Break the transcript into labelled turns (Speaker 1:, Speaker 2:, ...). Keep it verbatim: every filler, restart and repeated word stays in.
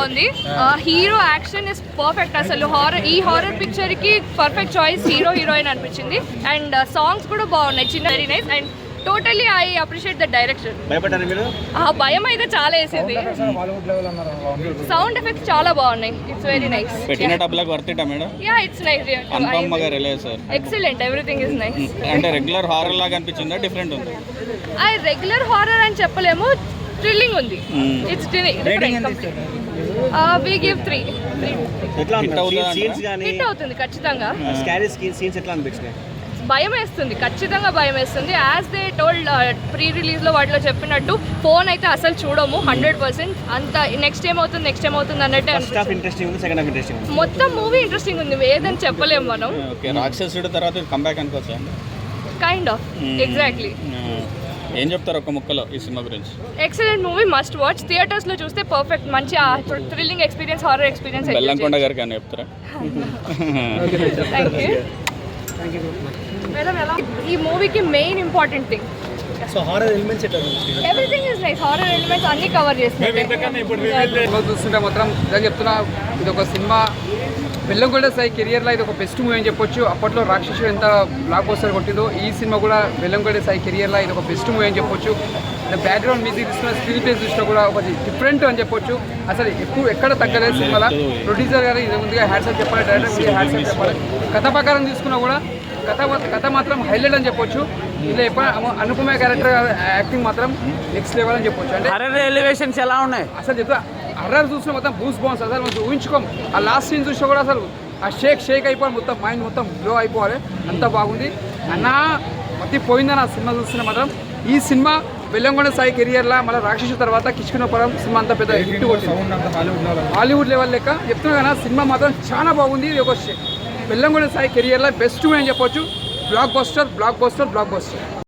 Speaker 1: బాగుంది. Hero action is perfect. అసలు horror ఈ హారర్ పిక్చర్ కి పర్ఫెక్ట్ చాయిస్ హీరో హీరోయిన్ అనిపించింది. అండ్ సాంగ్స్ కూడా బాగున్నాయి, చిన్న very nice. And totally I appreciate the direction. భయం అయితే చాలా వేసింది. సౌండ్ ఎఫెక్ట్స్ చాలా బాగున్నాయి. It's very nice.
Speaker 2: పెట్టిన డబ్బులకు worth it madam?
Speaker 1: Yeah it's nice.
Speaker 2: Anupama గారు ఎలా sir?
Speaker 1: Excellent, everything is nice.
Speaker 2: అంటే రెగ్యులర్ హారర్ లాగా అనిపించిందా, డిఫరెంట్ ఉంది?
Speaker 1: ఐ రెగ్యులర్ హారర్ అని చెప్పలేము, థ్రిల్లింగ్ ఉంది. It's different. We give three. Hit అవుతుంది ఖచ్చితంగా. భయం వేస్తుంది, ఖచ్చితంగా భయం వేస్తుంది. యాజ్ దే టోల్డ్ ప్రీ రిలీజ్లో వాటిలో చెప్పినట్టు ఫోన్ అయితే అసలు చూడము హండ్రెడ్ పర్సెంట్. అంత నెక్స్ట్ ఏమవుతుంది నెక్స్ట్ ఏమవుతుంది అన్నట్టే. మొత్తం మూవీ ఇంట్రెస్టింగ్ ఉంది, ఏదని చెప్పలేము మనం.
Speaker 2: రాక్షసుడు తర్వాత కంబ్యాక్ అనుకోవచ్చా?
Speaker 1: Kind of, exactly.
Speaker 2: ఏం చెప్తారు ఒక ముక్కలో ఈ సినిమా గురించి?
Speaker 1: Excellent movie, must watch. Theatres లో చూస్తే పర్ఫెక్ట్, మంచి thrilling experience, horror experience.
Speaker 2: Bellamkonda గారికి అని చెప్తారా?
Speaker 1: Thank you. ఈ మూవీకి main important thing
Speaker 3: so horror elements ఎట్లా ఉంది?
Speaker 1: Everything is nice. Horror elements అన్ని కవర్ చేస్తారు.
Speaker 4: చూస్తుంటే మాత్రం నేను చెప్తున్నా, ఇది ఒక సినిమా బెల్లంకొండ సాయి కెరియర్లో ఇది ఒక బెస్ట్ మూవీ అని చెప్పొచ్చు. అప్పట్లో రాక్షసుడు ఎంత బ్లాక్ బస్టర్ కొట్టిందో, ఈ సినిమా కూడా బెల్లంకొండ సాయి కెరియర్లో ఇది ఒక బెస్ట్ మూవీ అని చెప్పొచ్చు. బ్యాక్గ్రౌండ్ మ్యూజిక్ చూస్తున్న, స్క్రీన్ ప్లే చూసినా కూడా ఒక డిఫరెంట్ అని చెప్పొచ్చు. అసలు ఎక్కువ ఎక్కడ తగ్గలేదు సినిమాలో. ప్రొడ్యూసర్ గారు ఇది ముందుగా హ్యాట్సప్ చెప్పాలి, డైరెక్టర్ హ్యాట్సప్ చెప్పాలి. కథ ప్రకారం తీసుకున్నా కూడా కథ కథ మాత్రం హైలైట్ అని చెప్పొచ్చు. ఇలా ఎప్పుడు అనుపమ క్యారెక్టర్ యాక్టింగ్ మాత్రం నెక్స్ట్ లెవెల్ అని చెప్పొచ్చు. అంటే
Speaker 5: హర్రర్ ఎలివేషన్స్ ఎలా ఉన్నాయి
Speaker 4: అసలు చెప్తా, హర్రర్ చూసిన మొత్తం బూస్ బాగుంది. అసలు మనం ఊహించుకోం. ఆ లాస్ట్ సీన్ చూసినా కూడా అసలు ఆ షేక్ షేక్ అయిపోవాలి, మొత్తం మైండ్ మొత్తం గ్లో అయిపోవాలి, అంత బాగుంది. అన్న మతి పోయిందని ఆ సినిమా చూస్తున్నా మాత్రం. ఈ సినిమా బెల్లంకొండ సాయి కెరియర్లో మళ్ళీ రాక్షసు తర్వాత కిష్కినపురం సినిమా అంతా పెద్ద హిట్ కొట్టింది, హాలీవుడ్ లెవెల్ లెక్క చెప్తున్నా కదా. సినిమా మాత్రం చాలా బాగుంది. ఇది ఒక బెల్లంకొండ సాయి కెరియర్లో బెస్ట్ అని చెప్పొచ్చు. Blockbuster blockbuster block buster